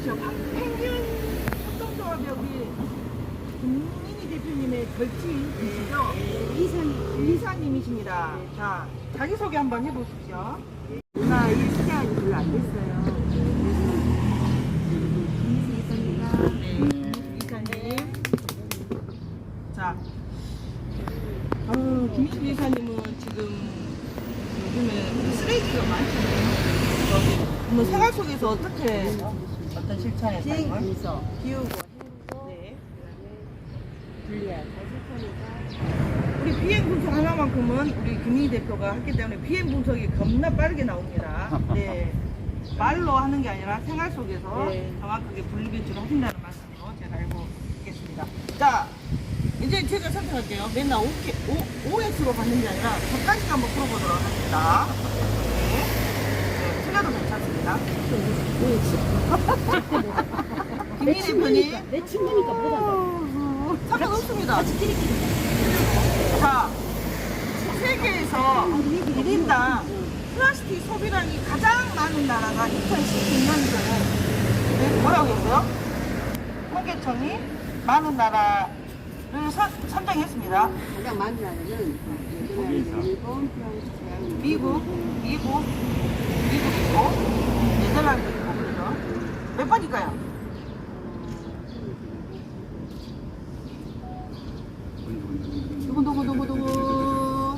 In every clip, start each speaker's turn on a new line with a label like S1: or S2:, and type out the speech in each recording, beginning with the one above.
S1: 저 펭귄 협동조합 여기 김민희 대표님의 절친이시죠? 이사님이십니다. 자, 자기소개 한번 해보십시오.
S2: 누나 일 시간이 별로 안 됐어요.
S1: 네, 이사님. 자, 김민희 이사님은 지금 요즘에 쓰레기가 많잖아요. 그러면 생활 속에서 어떻게 어떤 실천에
S2: 비행
S1: 삶을?
S2: 분석, 비우고 헹구고
S1: 네.
S2: 분리하고 실천이가
S1: 우리 비행 분석 하나만큼은 우리 김민희 대표가 했기 때문에 비행 분석이 겁나 빠르게 나옵니다. 네. 말로 하는 게 아니라 생활 속에서
S2: 네.
S1: 정확하게 분리배출을 하신다는 말씀으로 제가 알고 있겠습니다. 자, 이제 제가 선택할게요. 맨날 OX로 받는 게 아니라 100가지가 한번 풀어보도록 하겠습니다. 네. 네, 틀려도 괜찮습니다. 김민희 대표님.
S2: 내 친구니까 뭐가
S1: 상관없습니다. 자, 세계에서 1인당 플라스틱 소비량이 가장 많은 나라가 2016년도에 네, 뭐라고 했어요? 통계청이 많은 나라를 선정했습니다.
S2: 가장 많은 나라는 일본, 프랑스, 대한민국,
S1: 미국이고 네덜란드이고 그죠? 몇 번일까요? 누구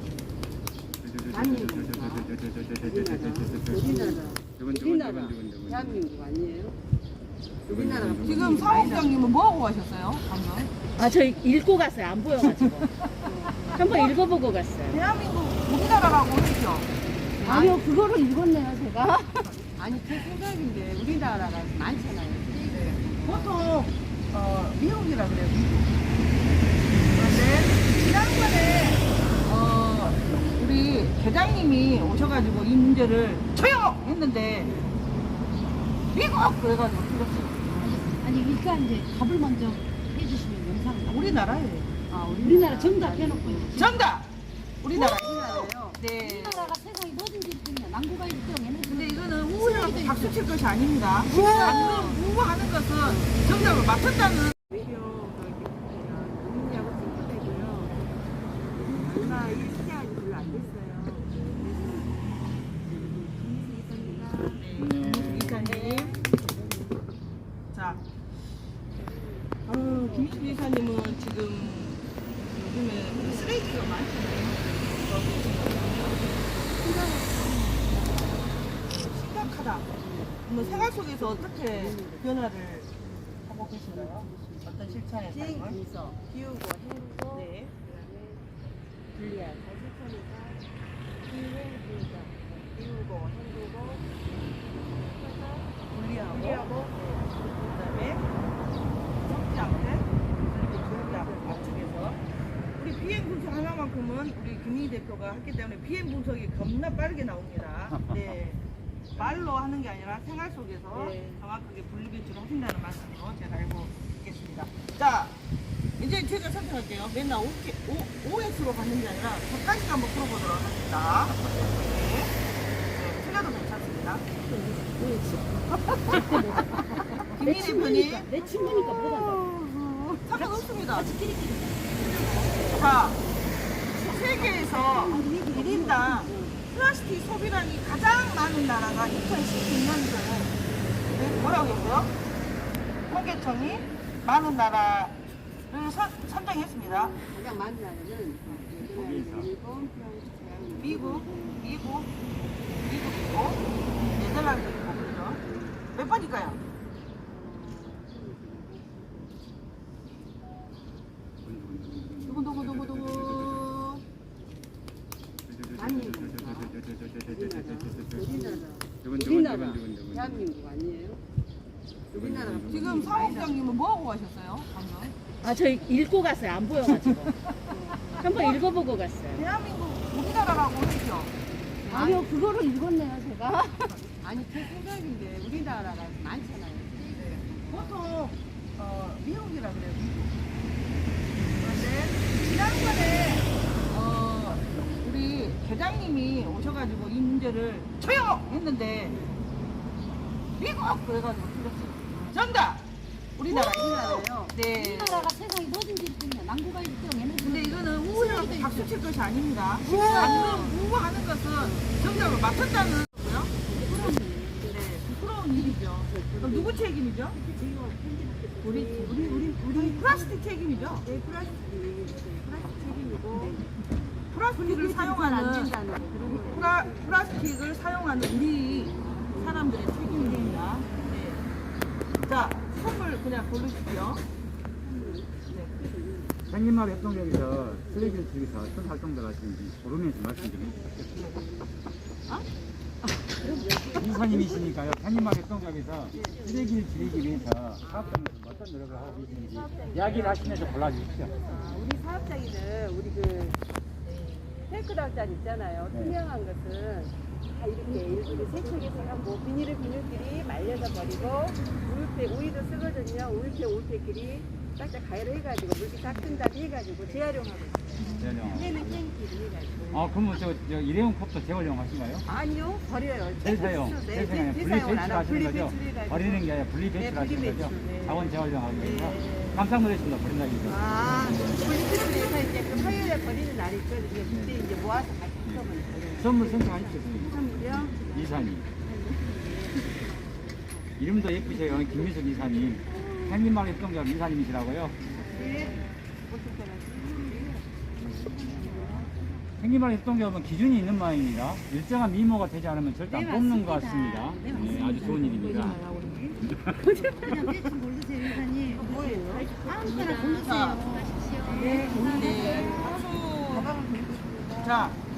S2: 우리나라 대한민국 아니에요? 우리나라가
S1: 지금 사업장님은 뭐하고 가셨어요? 방금?
S3: 아, 저 읽고 갔어요. 안 보여가지고. 한번 읽어보고 갔어요.
S1: 대한민국 우리나라라고 했죠?
S3: 아니요, 그거를 읽었네요, 제가.
S2: 아니 제 생각인데 우리나라가 많잖아요.
S1: 보통 미국이라 그래요. 미국. 그런데 지난번에 우리 대장님이 오셔가지고 이 문제를 처형했는데 미국 그래가지고 틀렸어요.
S3: 아니, 일단 이제 답을 먼저 해주시면 영상을.
S1: 우리나라예요.
S3: 우리나라 정답 해놓고 이제.
S1: 정답. 우리나라.
S2: 우리나라요.
S1: 네.
S3: 우리나라가 세상에 뭐든지 그냥 남구가 1등
S1: 근데 이거는 우울하고 박수 칠 것이 아닙니다. 방금 우하는 것은 정답을 맞췄다는.
S2: 농민하고 친구되고요. 누나 일 시간이 별로 안 됐어요.
S1: 이사님. 자, 김희준 이사님은 지금 요즘에 쓰레기가 많잖아요. 심각하다. 그러면 생활 속에서 어떻게 변화를 하고 계신가요? 어떤 실천의
S2: 비행
S1: 삶을?
S2: 분석, 비우고 헹구고
S1: 네.
S2: 분리하고 실천이가 비행 분석, 비우고 헹구고
S1: 분리하고, 그다음에 섞지 않게 앞쪽에서 우리 비행 분석 하나만큼은 우리 김희 대표가 했기 때문에 비행 분석이 겁나 빠르게 나옵니다. 네. 말로 하는 게 아니라 생활 속에서
S2: 네.
S1: 정확하게 분리배출을 하신다는 말씀으로 제가 알고 있겠습니다. 자, 이제 제가 선택할게요. 맨날 OX로 받는 게 아니라 100가지가 한번 풀어보도록 하겠습니다. 네. 네, 틀려도 괜찮습니다. 김희 대표님.
S3: 내 친구니까 뭐가
S1: 상관없습니다. 자, 세계에서 1인당 플라스틱 소비량이 가장 많은 나라가 2016년도에 네, 뭐라고 했어요? 통계청이 많은 나라를 선정했습니다.
S2: 가장 많은 나라는 일본, 프랑스, 대한민국,
S1: 미국이고 네덜란드이고 그죠? 몇 번일까요? 누구
S2: 우리나라 대한민국 아니에요? 우리나라가
S1: 지금 사업장님은 뭐하고 가셨어요? 방금?
S3: 아, 저 읽고 갔어요. 안 보여가지고. 한번 읽어보고 갔어요.
S1: 대한민국 우리나라라고 했죠?
S3: 아니요, 그거를 읽었네요, 제가.
S2: 아니 제 생각인데 우리나라가 많잖아요.
S1: 보통 미국이라 그래요. 미국. 그런데 지난번에 우리 대장님이 오셔가지고 이 문제를 처형했는데 미국 그래가지고 틀렸어요. 정답. 우리나라.
S2: 우리나라요.
S1: 네.
S3: 우리나라가 세상에 뭐든지 있군요. 남구가 1등.
S1: 근데 이거는 우라고 박수 칠 것이 아닙니다. 방금 우하는 것은 정답을 맞췄다는 거고요. 네, 부끄러운 일이죠. 그럼 누구 책임이죠? 우리 플라스틱 책임이죠.
S2: 네, 플라스틱 책임이고
S1: 플라스틱을
S2: 안
S1: 사용하는
S2: 된다는 거 그런 거.
S1: 플라스틱을 사용하는 우리 사람들의 책임입니다. 네. 자, 선물 그냥 고르십시오. 네.
S4: 생긴마을 협동조합에서 쓰레기를 줄이기 위해서 어떤 활동들 하시는지 모르면서 말씀 좀 해주세요. 이사님이시니까요. 생긴마을 협동조합에서 쓰레기를 줄이기 위해서 사업장에서 어떤 노력을 하고 계시는지 이야기를 하시면서 골라주십시오.
S2: 우리 사업장에는 우리 그 탱크당장 있잖아요.
S4: 네.
S2: 투명한 것은 다 이렇게 일일이 세척해서 하고 비닐끼리 말려서 버리고 우유도 쓰거든요. 우유팩끼리 짝짝 가열해가지고 물기 닦은 다음에 해가지고 재활용하고 있어요. 얘는 탱키를 해가지고.
S4: 아, 그러면 저 일회용 컵도 재활용 하신가요?
S2: 아니요, 버려요.
S4: 재사용,
S2: 네,
S4: 재사용, 분리
S2: 재사용을 안
S4: 배출
S2: 하고
S4: 하시는 거죠?
S2: 분리배출해가지고.
S4: 버리는 게 아니라 분리 배출
S2: 네,
S4: 하시는 거죠?
S2: 분리배출, 네.
S4: 자원 재활용하기 위해서.
S2: 네.
S4: 깜짝 놀라십니다. 버린다는 게.
S2: 아, 분리배출해서 이제 그 화요일에 버리는 날이 있거든요. 그때 이제 모아서 같이 섞으면 버려요.
S4: 선물 선택하십시오, 선생님.
S2: 선물이요?
S4: 이사님. 이름도 예쁘세요. 김미숙 이사님. 생긴마을 협동조합 이사님이시라고요.
S2: 네.
S4: 생긴마을 협동조합은 기준이 있는 모양입니다. 일정한 미모가 되지 않으면 절대 안 뽑는 것 같습니다. 네, 아주 좋은 일입니다.
S3: 그냥 대충 고르세요, 이사님.
S2: 뭐예요?
S3: 아무거나 고르세요.
S1: 네, 박수. 자,